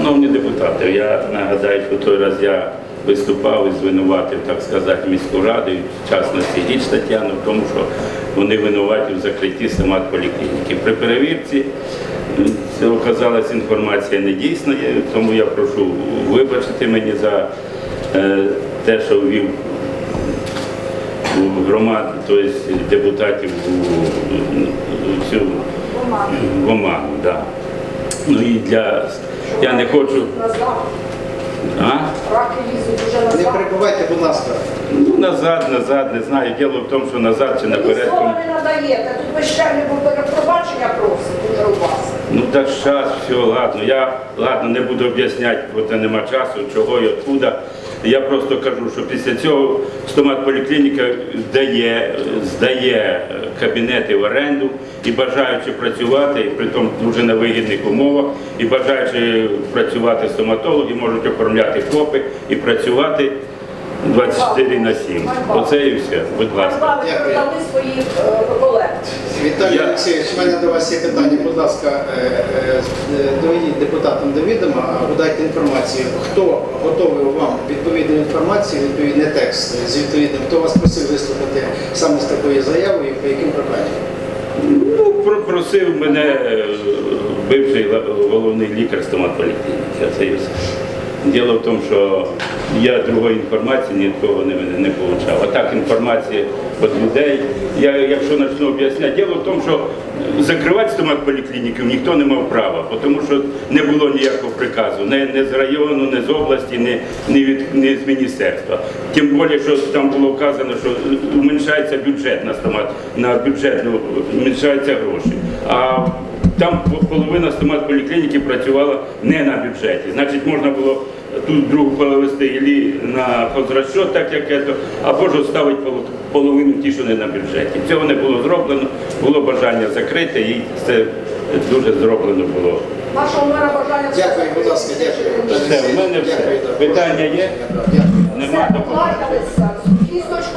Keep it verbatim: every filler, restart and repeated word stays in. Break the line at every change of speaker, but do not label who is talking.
Шановні депутати, я нагадаю, що той раз я виступав і звинуватив, так сказати, міську раду, і в частності Річ Тетяну, в тому, що вони винуваті в закритті стоматполіклініки. При перевірці оказалась інформація недійсною, тому я прошу вибачити мені за е, те, що ввів громад, тобто депутатів у цю в оману. Да. Ну і для... Я не хочу... А?
Раки лізуть уже назад.
Не перебувайте, будь ласка.
Ну, назад, назад, не знаю. Діло в тому, що назад чи наперед.
Ви слова не надаєте. Тут ви ще не пробачення просить уже у вас.
Ну так час, все, ладно. Я, ладно, не буду об'ясняти, бо це нема часу, чого і откуда. Я просто кажу, що після цього стоматполіклініка здає, здає кабінети в оренду і бажаючи працювати, і при тому дуже на вигідних умовах, і бажаючи працювати стоматологи, можуть оформляти ФОПи і працювати двадцять чотири на сім. Оце і все. Будь ласка.
Ви продали своїх колег.
Віталій
Я-
Олексійович, у мене до вас є питання. Будь ласка, е, е, доведіть депутатам до відома, або дайте інформацію, хто готовий вам відповідну інформацію, відповідний текст з відповідним, хто вас просив виступити саме з такою заявою, по яким проблемам?
Ну, про- просив мене е, бивший ла- головний лікар стоматполіклініки. Це і все. Діло в тому, що я другої інформації ні від кого не, не отримав. А так інформація від людей. Я, якщо почну об'ясняти, діло в тому, що закривати стоматполіклініку ніхто не мав права, тому що не було ніякого приказу, не, не з району, не з області, не, не, від, не з міністерства. Тим більше, що там було вказано, що уменшається бюджет на стомат, на бюджетну, уменшаються гроші. А там половина стоматполіклініки працювала не на бюджеті. Значить, можна було тут другу перевести і на хозрасчет, так як це, або ж оставити половину ті, що не на бюджеті. Цього не було зроблено, було бажання закрити, і це дуже зроблено було.
Вашого мера бажання...
Дякую, будь ласка, дякую.
Все, в мене все.
Дякую, да.
Питання є?
Дякую.
Нема,
Все,
до побачення.
покликалися.